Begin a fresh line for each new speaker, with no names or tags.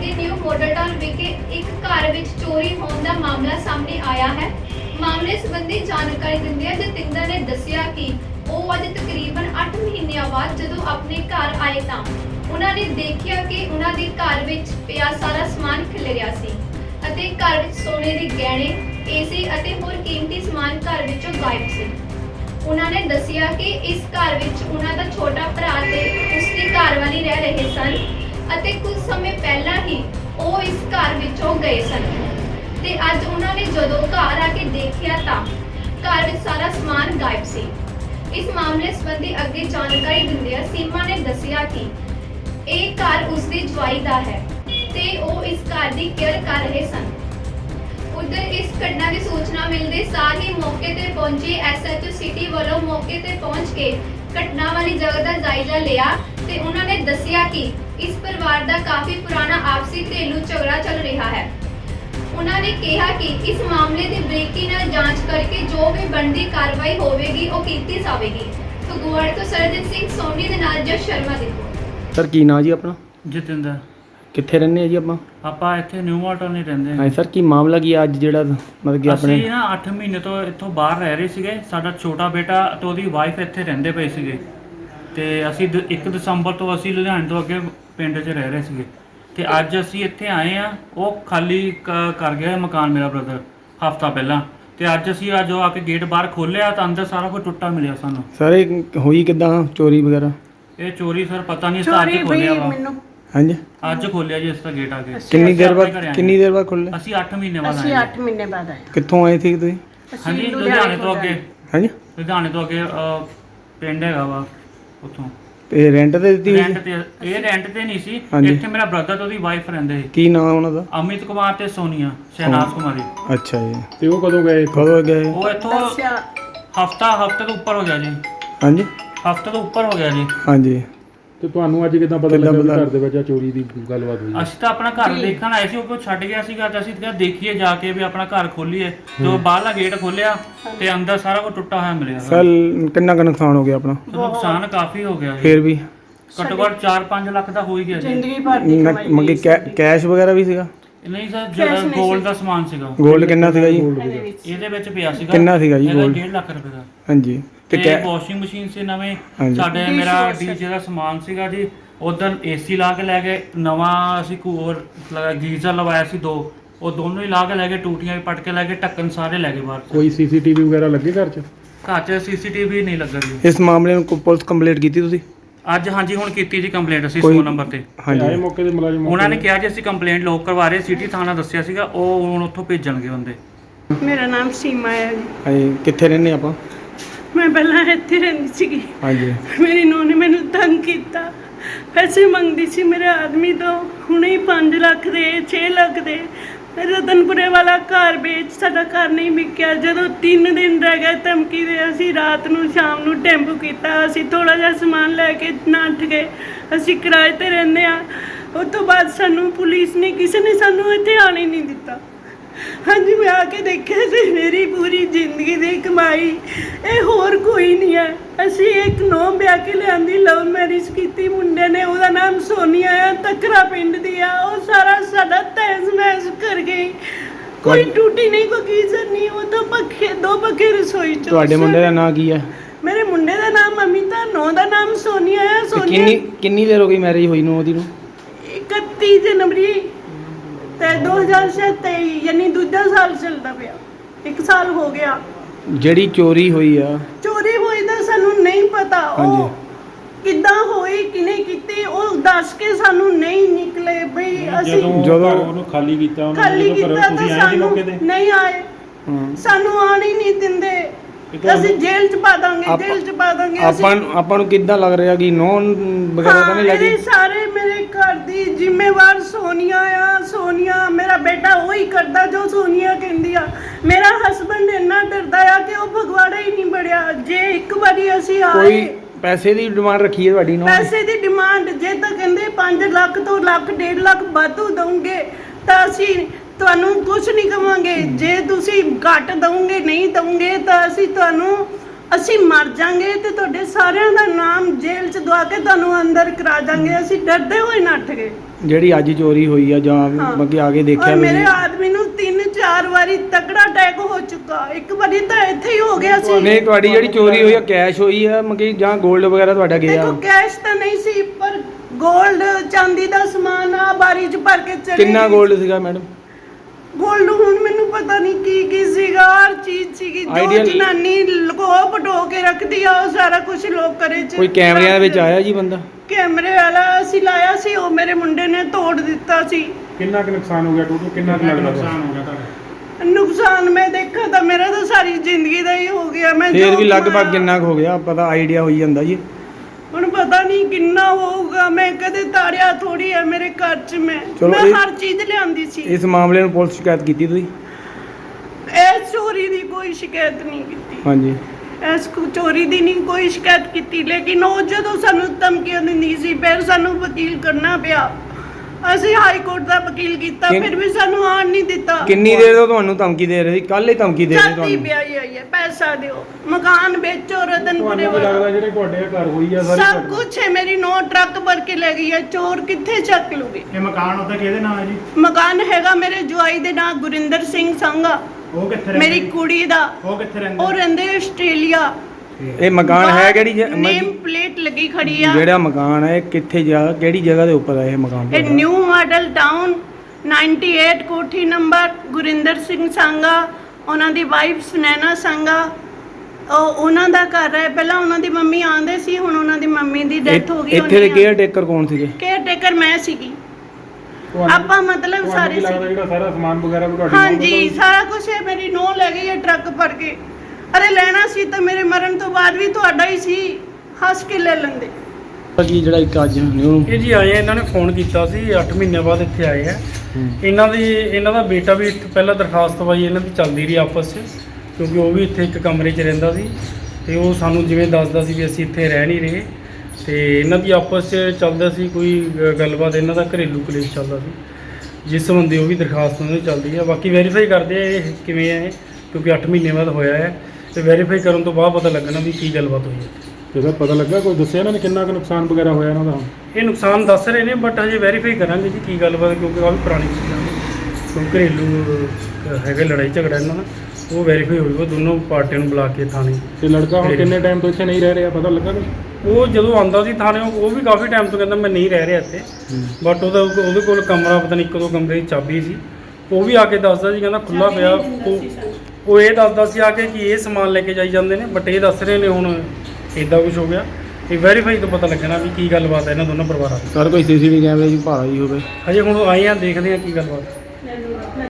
लागे new model town विखे एक घर विच चोरी होने का मामला सामने आया है। मामले संबंधी जानकारी दिंदे जतिंदर ने दस्सिया कि ਉਹ ਅੱਜ ਤਕਰੀਬਨ 8 ਮਹੀਨਿਆਂ ਬਾਅਦ ਜਦੋਂ ਆਪਣੇ ਘਰ ਆਏ ਤਾਂ ਉਹਨਾਂ ਨੇ ਦੇਖਿਆ ਕਿ ਉਹਨਾਂ ਦੇ ਘਰ ਵਿੱਚ ਪਿਆ ਸਾਰਾ ਸਮਾਨ ਖਿਲਰਿਆ ਸੀ ਅਤੇ ਘਰ ਵਿੱਚ ਸੋਨੇ ਦੇ ਗਹਿਣੇ, ਏਸੀ ਅਤੇ ਹੋਰ ਕੀਮਤੀ ਸਮਾਨ ਘਰ ਵਿੱਚੋਂ ਗਾਇਬ ਸੀ। ਉਹਨਾਂ ਨੇ ਦੱਸਿਆ ਕਿ ਇਸ ਘਰ ਵਿੱਚ ਉਹਨਾਂ ਦਾ ਛੋਟਾ ਭਰਾ ਤੇ ਉਸ ਦੀ ਘਰਵਾਲੀ ਰਹਿ ਰਹੇ ਸਨ ਅਤੇ ਕੁਝ ਸਮੇਂ ਪਹਿਲਾਂ ਹੀ ਉਹ ਇਸ ਘਰ ਵਿੱਚੋਂ ਗਏ ਸਨ ਤੇ ਅੱਜ ਉਹਨਾਂ ਨੇ ਜਦੋਂ ਘਰ ਆ ਕੇ ਦੇਖਿਆ ਤਾਂ ਘਰ ਵਿੱਚ ਸਾਰਾ ਸਮਾਨ ਗਾਇਬ ਸੀ। इस मामले संबंधी अगे जानकारी दिंदे सीमा ने दसिया कि एक घर उसकी जवाई दा है ते वो इस घर की केयर कर रहे सन। उधर इस घटना की सूचना मिलते सार ही मौके पर पहुंचे SHO सिटी वालों मौके पर पहुंच के घटना वाली जगह का जायजा लिया ते उन्होंने दसिया कि इस परिवार का काफ़ी पुराना आपसी घरेलू झगड़ा चल रहा है। उन्होंने कहा कि इस मामले की बरीकी नाल जांच करके जो भी बनती कार्रवाई होगी वो की जाएगी। फगवाड़े तो सरजीत सिंह सोनी दे नाल जस शर्मा दी रिपोर्ट।
सर की नाम जी अपना?
ਜਤਿੰਦਰ।
कित्थे रहने जी ਆਪਾਂ?
ਆਪਾਂ ਇੱਥੇ ਨਿਊ ਮਾਰਟਨ ਨਹੀਂ ਰਹਿੰਦੇ।
ਹਾਂ ਸਰ ਕੀ ਮਾਮਲਾ ਕੀ ਅੱਜ ਜਿਹੜਾ ਮਤਲਬ ਕਿ ਆਪਣੇ
ਅਸੀਂ ਨਾ 8 ਮਹੀਨੇ ਤੋਂ ਇੱਥੋਂ ਬਾਹਰ ਰਹਿ ਰਹੇ ਸੀਗੇ। ਸਾਡਾ ਛੋਟਾ ਬੇਟਾ ਤੇ ਉਹਦੀ ਵਾਈਫ ਇੱਥੇ ਰਹਿੰਦੇ ਪਏ ਸੀਗੇ ਤੇ ਅਸੀਂ 1 ਦਸੰਬਰ ਤੋਂ ਅਸੀਂ ਲੁਧਿਆਣੇ ਤੋਂ ਅੱਗੇ ਪਿੰਡ 'ਚ ਰਹਿ ਰਹੇ ਸੀਗੇ ਤੇ ਅੱਜ ਅਸੀਂ ਇੱਥੇ ਆਏ ਆ। ਉਹ ਖਾਲੀ ਕਰ ਗਿਆ ਮਕਾਨ ਮੇਰਾ ਬ੍ਰਦਰ ਹਫਤਾ ਪਹਿਲਾਂ ਤੇ ਅੱਜ ਅਸੀਂ ਅੱਜ ਆ ਕੇ ਗੇਟ ਬਾਹਰ ਖੋਲ੍ਹਿਆ ਤਾਂ ਅੰਦਰ ਸਾਰਾ ਕੁਝ ਟੁੱਟਾ ਮਿਲਿਆ ਸਾਨੂੰ।
ਸਰ ਇਹ ਹੋਈ ਕਿੱਦਾਂ ਚੋਰੀ ਵਗੈਰਾ?
ਇਹ ਚੋਰੀ ਸਰ ਪਤਾ ਨਹੀਂ ਇਸ ਅੱਜ ਖੋਲ੍ਹਿਆ ਵਾ।
ਹਾਂਜੀ
ਅੱਜ ਖੋਲ੍ਹਿਆ ਜੀ ਇਸ ਦਾ ਗੇਟ ਆ ਕੇ।
ਕਿੰਨੀ ਦੇਰ ਬਾਅਦ ਖੁੱਲੇ?
ਅਸੀਂ 8 ਮਹੀਨੇ ਬਾਅਦ
ਅਸੀਂ
ਆਏ।
8 ਮਹੀਨੇ ਬਾਅਦ ਆਏ।
ਕਿੱਥੋਂ ਆਏ ਸੀ ਤੁਸੀਂ?
ਹਾਂਜੀ ਲੁਧਿਆਣੇ ਤੋਂ ਅੱਗੇ।
ਹਾਂਜੀ
ਲੁਧਿਆਣੇ ਤੋਂ ਅੱਗੇ ਪਿੰਡ ਹੈਗਾ ਵਾ ਉੱਥੋਂ।
ਤੇ ਰੈਂਟ ਤੇ ਦਿੱਤੀ ਹੋਈ
ਰੈਂਟ
ਸੀ?
ਤੇ ਇਹ ਰੈਂਟ ਤੇ ਨਹੀਂ ਸੀ।
ਹਾਂਜੀ।
ਇੱਥੇ ਮੇਰਾ ਬ੍ਰਦਰ ਤੇ ਉਹਦੀ ਵਾਈਫ ਰਹਿੰਦੇ ਸੀ।
ਕੀ ਨਾਮ ਉਹਨਾਂ ਦਾ?
ਅਮਿਤ ਕੁਮਾਰ ਤੇ ਸੋਨੀਆ ਸ਼ਹਿਨਾਜ਼ ਕੁਮਾਰੀ।
ਅੱਛਾ ਜੀ।
ਤੇ ਉਹ ਕਦੋਂ ਗਏ?
ਕਦੋਂ ਗਏ?
ਉਹ ਇੱਥੋਂ
ਦੱਸਿਆ
ਹਫਤੇ ਤੋਂ ਉੱਪਰ ਹੋ ਗਿਆ ਜੀ।
ਹਾਂਜੀ
ਹਫਤੇ ਤੋਂ ਉੱਪਰ ਹੋ ਗਿਆ ਜੀ।
ਹਾਂਜੀ।
ਤੇ ਤੁਹਾਨੂੰ ਅੱਜ ਕਿੱਦਾਂ ਪਤਾ ਲੱਗਾ ਵੀ ਘਰ ਦੇ ਵਿੱਚ ਚੋਰੀ ਦੀ ਗੱਲਬਾਤ ਹੋਈ?
ਅਸੀਂ ਤਾਂ ਆਪਣਾ ਘਰ ਦੇਖਣ ਆਏ ਸੀ। ਉਹ ਛੱਡ ਗਿਆ ਸੀਗਾ ਤੇ ਅਸੀਂ ਕਿਹਾ ਦੇਖੀਏ ਜਾ ਕੇ ਵੀ ਆਪਣਾ ਘਰ ਖੋਲੀਏ ਤੇ ਉਹ ਬਾਹਰਲਾ ਗੇਟ ਖੋਲਿਆ ਤੇ ਅੰਦਰ ਸਾਰਾ ਕੁਝ ਟੁੱਟਾ ਹੋਇਆ ਮਿਲਿਆ।
ਸਰ ਕਿੰਨਾ ਕੁ ਨੁਕਸਾਨ ਹੋ ਗਿਆ ਆਪਣਾ?
ਨੁਕਸਾਨ ਕਾਫੀ ਹੋ ਗਿਆ ਜੀ।
ਫਿਰ ਵੀ
ਘੱਟੋ ਘੱਟ 4-5 ਲੱਖ ਦਾ ਹੋ ਹੀ ਗਿਆ ਜੀ।
ਜ਼ਿੰਦਗੀ ਭਰ ਦੀ ਕਮਾਈ
ਮੰਗੇ ਕੈਸ਼ ਵਗੈਰਾ ਵੀ ਸੀਗਾ?
ਨਹੀਂ ਸਰ ਜਿਹੜਾ ਗੋਲਡ ਦਾ ਸਮਾਨ ਸੀਗਾ।
ਗੋਲਡ ਕਿੰਨਾ ਸੀਗਾ ਜੀ?
ਇਹਦੇ ਵਿੱਚ ਪਿਆ ਸੀਗਾ
ਕਿੰਨਾ ਸੀਗਾ ਜੀ ਗੋਲਡ?
1.5 ਲੱਖ ਰੁਪਏ ਦਾ।
ਹਾਂਜੀ
ਤੇ ਵਾਸ਼ਿੰਗ ਮਸ਼ੀਨ ਸੀ ਨਵੇਂ।
ਹਾਂਜੀ।
ਸਾਡੇ ਮੇਰਾ ਡੀਜੇ ਦਾ ਸਮਾਨ ਸੀਗਾ ਜੀ। ਉਧਰ ਏਸੀ ਲਾ ਕੇ ਲੈ ਗਏ। ਨਵਾਂ ਅਸੀਂ ਕੂਲਰ ਲਗਾ ਗੀਜ਼ਰ ਲਵਾਇਆ ਸੀ 2। ਉਹ ਦੋਨੋਂ ਹੀ ਲਾ ਕੇ ਲੈ ਗਏ। ਟੂਟੀਆਂ ਵੀ ਪੱਟ ਕੇ ਲੈ ਗਏ। ਢੱਕਣ ਸਾਰੇ ਲੈ ਗਏ ਬਾਹਰ।
ਕੋਈ ਸੀਸੀਟੀਵੀ ਵਗੈਰਾ ਲੱਗੇ ਘਰ 'ਚ?
ਘਰ 'ਚ ਸੀਸੀਟੀਵੀ ਨਹੀਂ ਲੱਗਾ ਜੀ।
ਇਸ ਮਾਮਲੇ ਨੂੰ ਪੁਲਿਸ ਕੰਪਲੇਂਟ ਕੀਤੀ ਤੁਸੀਂ?
ਅੱਜ ਹਾਂਜੀ ਹੁਣ ਕੀਤੀ ਜੀ ਕੰਪਲੇਂਟ ਅਸੀਂ
ਕੋਈ-
100 ਨੰਬਰ ਤੇ।
ਆਏ
ਹਾਂਜੀ।
ਮੌਕੇ ਦੇ ਮੁਲਾਜ਼ਮ?
ਉਹਨਾਂ ਨੇ ਕਿਹਾ ਜੀ ਅਸੀਂ ਕੰਪਲੇਂਟ ਲੋਕ ਕਰਵਾ ਰਹੇ। ਸਿਟੀ ਥਾਣਾ ਦੱਸਿਆ ਸੀਗਾ। ਉਹ ਹੁਣ ਉੱਥੋਂ ਭੇਜਣਗੇ ਬੰਦੇ।
ਮੇਰਾ ਨਾਮ ਸੀਮਾ ਹੈ ਜੀ।
ਹਾਂਜੀ ਕਿੱਥੇ ਰਹਿੰਦੇ ਆਪਾਂ?
ਮੈਂ ਪਹਿਲਾਂ ਇੱਥੇ ਰਹਿੰਦੀ ਸੀਗੀ।
ਹਾਂਜੀ।
ਮੇਰੀ ਨੂੰਹ ਨੇ ਮੈਨੂੰ ਤੰਗ ਕੀਤਾ। ਪੈਸੇ ਮੰਗਦੀ ਸੀ ਮੇਰੇ ਆਦਮੀ ਤੋਂ। ਹੁਣੇ ਹੀ 5 ਲੱਖ ਦੇ 6 ਲੱਖ ਦੇ। ਰਤਨਪੁਰੇ ਵਾਲਾ ਘਰ ਵੇਚ ਸਾਡਾ ਘਰ ਨਹੀਂ ਵਿਕਿਆ। ਜਦੋਂ 3 ਦਿਨ ਰਹਿ ਗਏ ਧਮਕੀ ਦੇ ਅਸੀਂ ਰਾਤ ਨੂੰ ਸ਼ਾਮ ਨੂੰ ਟੈਂਪੂ ਕੀਤਾ। ਅਸੀਂ ਥੋੜਾ ਜਿਹਾ ਸਮਾਨ ਲੈ ਕੇ ਨੱਠ ਗਏ। ਅਸੀਂ ਕਿਰਾਏ ਤੇ ਰਹਿੰਦੇ ਆ। ਉਸ ਤੋਂ ਬਾਅਦ ਸਾਨੂੰ ਪੁਲਿਸ ਨੇ ਕਿਸੇ ਨੇ ਸਾਨੂੰ ਇੱਥੇ ਆਉਣ ਹੀ ਨਹੀਂ ਦਿੱਤਾ। ਹਾਂਜੀ ਮੈਂ ਆ ਕੇ ਦੇਖਿਆ ਤੇ ਮੇਰੀ ਪੂਰੀ ਜ਼ਿੰਦਗੀ ਦੀ ਕਮਾਈ ਇਹ ਹੋਰ ਕੋਈ ਨਹੀਂ ਹੈ। ਅਸੀਂ ਇੱਕ ਨੌਂ ਵਿਆਹ ਕੇ ਲਿਆਂਦੀ ਲਵ ਮੈਰਿਜ ਕੀਤੀ ਮੁੰਡੇ ਨੇ। ਉਹਦਾ ਨਾਮ ਸੋਨੀਆ ਆ। ਤਕਰਾ ਪਿੰਡ ਦੀ ਆ। ਉਹ ਸਾਰਾ ਸਾਡਾ ਤਹਿਸ ਨਹਿਸ ਕਰ ਗਈ। ਕੋਈ ਟੂਟੀ ਨਹੀਂ ਕੋਈ ਗੀਜ਼ਰ ਨਹੀਂ। ਉਹ ਤਾਂ ਪੱਖੇ 2 ਪੱਖੇ ਰਸੋਈ ਚ।
ਤੁਹਾਡੇ ਮੁੰਡੇ ਦਾ ਨਾਂ ਕੀ ਹੈ?
ਮੇਰੇ ਮੁੰਡੇ ਦਾ ਨਾਮ ਅਮਿਤਾ। ਨੌਂ ਦਾ ਨਾਮ ਸੋਨੀਆ ਆ। ਸੋਨੀਆ
ਕਿੰਨੀ ਦੇਰ ਹੋ ਗਈ ਮੈਰਿਜ ਹੋਈ ਨੂੰ ਉਹਦੀ ਨੂੰ?
31 ਜਨਵਰੀ ਤੇ 2023 ਯਾਨੀ ਦੂਜਾ ਸਾਲ ਚੱਲਦਾ ਪਿਆ। 1 ਸਾਲ ਹੋ ਗਿਆ।
ਜਿਹੜੀ ਚੋਰੀ ਹੋਈ ਆ
ਚੋਰੀ ਹੋਈ ਤਾਂ ਸਾਨੂੰ ਨਹੀਂ ਪਤਾ ਉਹ ਕਿੱਦਾਂ ਹੋਈ ਕਿਨੇ ਕੀਤੀ। ਉਹ ਦੱਸ ਕੇ ਸਾਨੂੰ ਨਹੀਂ ਨਿਕਲੇ ਬਈ ਅਸੀਂ
ਜਦੋਂ ਉਹਨੂੰ ਖਾਲੀ ਕੀਤਾ ਉਹਨਾਂ
ਖਾਲੀ
ਨੇ
ਕੀਤਾ ਤਾਂ
ਤੁਸੀਂ ਆਏ ਮੌਕੇ ਤੇ?
ਸਾਨੂੰ ਨਹੀਂ ਆਏ। ਸਾਨੂੰ ਆਣ ਹੀ ਨਹੀਂ ਦਿੰਦੇ। ਅਸੀਂ ਜੇਲ੍ਹ ਚ ਪਾ ਦਾਂਗੇ ਜੇਲ੍ਹ ਚ ਪਾ ਦਾਂਗੇ।
ਆਪਾਂ ਨੂੰ ਕਿੱਦਾਂ ਲੱਗ ਰਿਹਾ ਕਿ ਨੌਨ ਵਗੈਰਾ ਤਾਂ ਨਹੀਂ ਲੱਗੀ?
ਸਾਰੇ ਮੇਰੇ ਘਰ ਦੀ ਜ਼ਿੰਮੇਵਾਰ ਸੋਨੀਆ ਆ। ਸੋਨੀਆ ਮੇਰਾ ਬੇਟਾ ਉਹੀ ਕਰਦਾ ਜੋ ਸੋਨੀਆ ਕਹਿੰਦੀ ਆ। ਮੇਰਾ ਹਸਬੰਡ ਇੰਨਾ ਡਰਦਾ ਆ ਕਿ ਉਹ ਫਗਵਾੜਾ ਹੀ ਨਹੀਂ ਬੜਿਆ। ਜੇ ਇੱਕ ਵਾਰੀ ਅਸੀਂ ਆਏ
ਕੋਈ ਪੈਸੇ ਦੀ ਡਿਮਾਂਡ ਰੱਖੀ ਹੈ ਤੁਹਾਡੀ ਨੌਨ?
ਪੈਸੇ ਦੀ ਡਿਮਾਂਡ ਜੇ ਤਾਂ ਕਹਿੰਦੇ 5 ਲੱਖ ਤੋਂ ਲੱਖ 1.5 ਲੱਖ ਵਾਧੂ ਦਵਾਂਗੇ ਤਾਂ ਅਸੀਂ ਤੁਹਾਨੂੰ ਕੁਝ ਨਹੀਂ ਕਵਾਂਗੇ। ਜੇ ਤੁਸੀਂ ਘੱਟ ਦਵੋਗੇ ਨਹੀਂ ਦਵੋਗੇ ਤਾਂ ਅਸੀਂ ਮਰ ਜਾਾਂਗੇ ਤੇ ਤੁਹਾਡੇ ਸਾਰਿਆਂ ਦਾ ਨਾਮ ਜੇਲ੍ਹ ਚ ਦਵਾ ਕੇ ਤੁਹਾਨੂੰ ਅੰਦਰ ਕਰਾ ਜਾਾਂਗੇ। ਅਸੀਂ ਡਰਦੇ ਹੋਏ ਨੱਠ ਗਏ।
ਜਿਹੜੀ ਅੱਜ ਚੋਰੀ ਹੋਈ ਆ ਜਾਂ
ਹਾਂ।
ਬਾਕੀ ਆ ਕੇ ਦੇਖਿਆ
ਔਰ ਮੇਰੇ
ਤੁਸੀਂ?
ਆਦਮੀ ਨੂੰ 3-4 ਵਾਰੀ ਤਕੜਾ ਅਟੈਕ ਹੋ ਚੁੱਕਾ, ਇੱਕ ਵਾਰੀ ਤਾਂ ਇੱਥੇ ਹੀ ਹੋ ਗਿਆ ਸੀ।
ਨਹੀਂ, ਤੁਹਾਡੀ ਜਿਹੜੀ ਚੋਰੀ ਹੋਈ ਆ ਕੈਸ਼ ਹੋਈ ਆ ਮਗੀ ਜਾਂ 골ਡ ਵਗੈਰਾ ਤੁਹਾਡਾ ਗਿਆ?
ਦੇਖੋ ਕੈਸ਼ ਤਾਂ ਨਹੀਂ ਸੀ, ਪਰ 골ਡ ਚਾਂਦੀ ਦਾ ਸਮਾਨ ਆ ਬਾਰੀ ਚ ਭਰ ਕੇ ਚਲੇ
ਕਿੰਨਾ 골ਡ ਸੀਗਾ ਮੈਡਮ?
골ਡ ਹੁਣ ਮੈਨੂੰ ਪਤਾ ਨਹੀਂ ਕੀ ਸੀਗਾ, ਹਰ ਚੀਜ਼ ਸੀਗੀ ਜੋ
Ideal-
ਜਨਾਨੀ ਲੁਕੋ ਪਟੋ ਕੇ ਰੱਖਦੀ ਆ, ਉਹ ਸਾਰਾ ਕੁਝ ਲੋਕ ਕਰੇ ਚ
ਕੋਈ ਕੈਮਰਿਆਂ ਦੇ ਵਿੱਚ ਆਇਆ ਜੀ ਬੰਦਾ?
ਕੈਮਰੇ ਵਾਲਾ ਅਸੀਂ ਲਾਇਆ ਸੀ, ਉਹ ਮੇਰੇ ਮੁੰਡੇ ਨੇ ਤੋੜ ਦਿੱਤਾ ਸੀ।
ਕਿੰਨਾ ਕੁ ਨੁਕਸਾਨ ਹੋ ਗਿਆ ਟੋਟਲ, ਕਿੰਨਾ ਕੁ ਲੱਗਦਾ ਨੁਕਸਾਨ ਹੋ ਗਿਆ ਤੁਹਾਡਾ?
ਨੁਕਸਾਨ ਮੈਂ ਦੇਖਾ ਤਾਂ ਮੇਰਾ ਤਾਂ ਸਾਰੀ ਜ਼ਿੰਦਗੀ ਦਾ ਹੀ ਹੋ ਗਿਆ। ਮੈਂ
ਫੇਰ
ਜੋ
ਵੀ ਲਗਭਗ
ਕਮਾਇਆ,
ਕਿੰਨਾ ਕੁ ਹੋ ਗਿਆ ਪਤਾ ਆਈਡੀਆ ਹੋਈ ਜਾਂਦਾ ਜੀ?
ਹੁਣ ਪਤਾ ਨਹੀਂ ਕਿੰਨਾ ਹੋਊਗਾ, ਮੈਂ ਕਦੇ ਤਾਰਿਆ ਥੋੜੀ ਹੈ ਮੇਰੇ ਘਰ ਚ। ਮੈਂ
ਇਹ-
ਹਰ ਚੀਜ਼ ਲਿਆਂਦੀ ਸੀ।
ਇਸ ਮਾਮਲੇ ਨੂੰ ਪੁਲਿਸ ਸ਼ਿਕਾਇਤ ਕੀਤੀ ਤੁਸੀਂ?
ਇਸ ਚੋਰੀ ਦੀ ਕੋਈ ਸ਼ਿਕਾਇਤ ਨਹੀਂ ਕੀਤੀ,
ਹਾਂਜੀ।
ਇਸ ਚੋਰੀ ਦੀ ਨਹੀਂ ਕੋਈ ਸ਼ਿਕਾਇਤ ਕੀਤੀ, ਲੇਕਿਨ ਉਹ ਜਦੋਂ ਸਾਨੂੰ ਧਮਕੀਆਂ ਦਿੰਦੀ ਸੀ ਫਿਰ ਸਾਨੂੰ ਵਕੀਲ ਕਰਨਾ ਪਿਆ। ਅਸੀਂ ਹਾਈ ਕੋਰਟ ਦਾ ਵਕੀਲ ਕੀਤਾ, ਫਿਰ ਵੀ ਸਾਨੂੰ ਆਣ ਨਹੀਂ ਦਿੱਤਾ।
ਕਿੰਨੀ ਦੇਰ ਤੋਂ ਤੁਹਾਨੂੰ ਧਮਕੀ ਦੇ ਰਹੇ ਸੀ? ਕੱਲ ਹੀ ਧਮਕੀ ਦੇ ਰਹੇ
ਜਾਤੀ
ਤੁਹਾਨੂੰ?
ਵਿਆਹੀ ਹੋਈ ਹੈ, ਪੈਸਾ ਦਿਓ, ਮਕਾਨ ਵੇਚੋ, ਰਤਨਪੁਰੇ
ਤੁਹਾਨੂੰ ਕੀ
ਵਾਲਾ
ਲੱਗਦਾ ਜਿਹੜੇ ਤੁਹਾਡੇ ਘਰ ਹੋਈ ਆ ਸਾਰੀ
ਸਭ
ਘਟਨਾ?
ਕੁਝ ਹੈ। ਮੇਰੀ 9 ਟਰੱਕ ਭਰ ਕੇ ਲੈ ਗਈ ਹੈ, ਚੋਰ ਕਿੱਥੇ ਚੱਕ ਲੂਗੇ?
ਇਹ ਮਕਾਨ ਉਹਦਾ ਕਿਹਦੇ ਨਾਮ ਹੈ ਜੀ?
ਮਕਾਨ ਹੈਗਾ ਮੇਰੇ ਜਵਾਈ ਦੇ ਨਾਂ ਗੁਰਿੰਦਰ ਸਿੰਘ ਸੰਘਾ,
ਉਹ ਕਿੱਥੇ
ਮੇਰੀ
ਰਹਿੰਦੇ?
ਕੁੜੀ ਦਾ।
ਉਹ ਕਿੱਥੇ ਰਹਿੰਦੇ?
ਉਹ ਰਹਿੰਦੇ ਆਸਟ੍ਰੇਲੀਆ।
ਇਹ ਮਕਾਨ ਹੈ ਕਿਹੜੀ
ਨੇਮ ਪਲੇਟ ਲੱਗੀ ਖੜੀ ਆ।
ਜਿਹੜਾ ਮਕਾਨ ਹੈ ਕਿੱਥੇ ਕਿਹੜੀ ਜਗ੍ਹਾ ਦੇ ਉੱਪਰ ਹੈ ਇਹ ਮਕਾਨ?
ਇਹ
ਤੁਹਾਡਾ?
ਨਿਊ ਮਾਡਲ ਟਾਊਨ 98 ਕੋਠੀ ਨੰਬਰ, ਗੁਰਿੰਦਰ ਸਿੰਘ ਸੰਘਾ, ਉਹਨਾਂ ਦੀ ਵਾਈਫ ਸੁਨੈਨਾ ਸੰਘਾ, ਉਹਨਾਂ ਦਾ ਘਰ ਹੈ। ਪਹਿਲਾਂ ਉਹਨਾਂ ਦੀ ਮੰਮੀ ਆਂਦੇ ਸੀ, ਹੁਣ ਉਹਨਾਂ ਦੀ ਮੰਮੀ ਦੀ ਡੈਥ ਹੋ ਗਈ।
ਇੱਥੇ ਦੇ ਕੇਅਰ ਟੇਕਰ ਕੌਣ ਸੀਗੇ?
ਕੇਅਰ ਟੇਕਰ ਮੈਂ ਸੀਗੀ।
ਤੁਹਾਨੂੰ-
ਆਪਾਂ ਮਤਲਬ
ਤੁਹਾਨੂੰ
ਸਾਰੇ
ਕੀ ਲੱਗਦਾ
ਸੀ।
ਜਿਹੜਾ ਸਾਰਾ ਸਮਾਨ ਵਗੈਰਾ ਵੀ ਤੁਹਾਡੇ
ਹਾਂਜੀ, ਸਾਰਾ ਕੁਝ ਹੈ। ਮੇਰੀ ਨੂੰਹ ਲੈ ਗਈ ਹੈ ਟਰੱਕ ਭਰ ਕੇ। ਅਰੇ ਲੈਣਾ ਸੀ ਤਾਂ ਮੇਰੇ ਮਰਨ ਤੋਂ ਬਾਅਦ ਵੀ ਤੁਹਾਡਾ ਹੀ ਸੀ, ਹੱਸ ਕੇ ਲੈ ਲੈਂਦੇ।
ਕੀ ਜਿਹੜਾ ਇੱਕ ਅੱਜ ਨਿਊ
ਇਹ ਜੀ ਆਏ ਆ, ਇਹਨਾਂ ਨੇ ਫੋਨ ਕੀਤਾ ਸੀ 8 ਮਹੀਨਿਆਂ ਬਾਅਦ ਇੱਥੇ ਆਏ ਆ। ਇਹਨਾਂ ਦਾ ਬੇਟਾ ਵੀ ਇੱਥੇ ਪਹਿਲਾਂ ਦਰਖਾਸਤ ਪਾਈ ਇਹਨਾਂ ਦੀ ਚੱਲਦੀ ਰਹੀ ਆਪਸ 'ਚ, ਕਿਉਂਕਿ ਉਹ ਵੀ ਇੱਥੇ ਇੱਕ ਕਮਰੇ 'ਚ ਰਹਿੰਦਾ ਸੀ ਤੇ ਉਹ ਸਾਨੂੰ ਜਿਵੇਂ ਦੱਸਦਾ ਸੀ ਵੀ ਅਸੀਂ ਇੱਥੇ ਰਹਿ ਨਹੀਂ ਰਹੇ, ਤੇ ਇਹਨਾਂ ਦੀ ਆਪਸ 'ਚ ਚੱਲਦਾ ਸੀ ਕੋਈ ਗੱਲਬਾਤ, ਇਹਨਾਂ ਦਾ ਘਰੇਲੂ ਕਲੇਸ਼ ਚੱਲਦਾ ਸੀ, ਜਿਸ ਸੰਬੰਧੀ ਉਹ ਵੀ ਦਰਖਾਸਤ ਉਹਨਾਂ ਦੀ ਚੱਲਦੀ ਹੈ। ਬਾਕੀ ਵੈਰੀਫਾਈ ਕਰਦੇ ਆ ਇਹ ਕਿਵੇਂ ਹੈ ਇਹ, ਕਿਉਂਕਿ 8 ਮਹੀਨੇ ਬਾਅਦ ਹੋਇਆ ਹੈ ਤੇ ਵੈਰੀਫਾਈ ਕਰਨ ਤੋਂ ਬਾਅਦ ਪਤਾ ਲੱਗਣਾ ਵੀ ਕੀ ਗੱਲਬਾਤ ਹੋਈ ਹੈ।
ਤੇ ਸਰ ਪਤਾ ਲੱਗਾ ਕੋਈ ਦੱਸਿਆ ਇਹਨਾਂ ਨੇ ਕਿੰਨਾ ਕੁ ਨੁਕਸਾਨ ਵਗੈਰਾ ਹੋਇਆ ਇਹਨਾਂ ਦਾ?
ਇਹ ਨੁਕਸਾਨ ਦੱਸ ਰਹੇ ਨੇ, ਬਟ ਹਜੇ ਵੈਰੀਫਾਈ ਕਰਾਂਗੇ ਜੀ ਕੀ ਗੱਲਬਾਤ, ਕਿਉਂਕਿ ਕਾਫੀ ਪੁਰਾਣੀ ਚੀਜ਼ਾਂ ਨੇ, ਕਿਉਂਕਿ ਘਰੇਲੂ ਹੈਗਾ ਲੜਾਈ ਝਗੜਾ ਇਹਨਾਂ ਦਾ, ਉਹ ਵੈਰੀਫਾਈ ਹੋਊਗਾ ਦੋਨੋਂ ਪਾਰਟੀਆਂ ਨੂੰ ਬੁਲਾ ਕੇ ਥਾਣੇ।
ਤੇ ਲੜਕਾ ਹੁਣ ਕਿੰਨੇ ਟਾਈਮ ਤੋਂ ਇੱਥੇ ਨਹੀਂ ਰਹਿ ਰਿਹਾ, ਪਤਾ ਲੱਗਾ ਕੁਛ?
ਉਹ ਜਦੋਂ ਆਉਂਦਾ ਸੀ ਥਾਣੇ ਉਹ ਵੀ ਕਾਫੀ ਟਾਈਮ ਤੋਂ ਕਹਿੰਦਾ ਮੈਂ ਨਹੀਂ ਰਹਿ ਰਿਹਾ ਇੱਥੇ, ਬਟ ਉਹਦੇ ਕੋਲ ਕਮਰਾ ਪਤਾ ਨਹੀਂ 1-2 ਕਮਰੇ ਦੀ ਚਾਬੀ ਸੀ, ਉਹ ਵੀ ਆ ਕੇ ਦੱਸਦਾ ਸੀ, ਕਹਿੰਦਾ ਖੁੱਲਾ ਪਿਆ। ਉਹ ਇਹ ਦੱਸਦਾ ਸੀ ਆ ਕੇ ਕਿ ਇਹ ਸਮਾਨ ਲੈ ਕੇ ਜਾਈ ਜਾਂਦੇ ਨੇ, ਬਟ ਇਹ ਦੱਸ ਰਹੇ ਨੇ ਹੁਣ ਇੱਦਾਂ ਕੁਝ ਹੋ ਗਿਆ। ਇਹ ਵੈਰੀਫਾਈ ਤੋਂ ਪਤਾ ਲੱਗਣਾ ਵੀ ਕੀ ਗੱਲਬਾਤ ਹੈ ਇਹਨਾਂ ਦੋਨੋਂ ਪਰਿਵਾਰਾਂ ਦੀ।
ਸਰ ਕੋਈ ਸੀਸੀਟੀਵੀ ਕੈਮਰੇ ਦੀ ਭਾਲ ਹੀ ਹੋਵੇ?
ਹਜੇ ਹੁਣ ਆਏ ਆ, ਦੇਖਦੇ ਆ ਕੀ ਗੱਲਬਾਤ।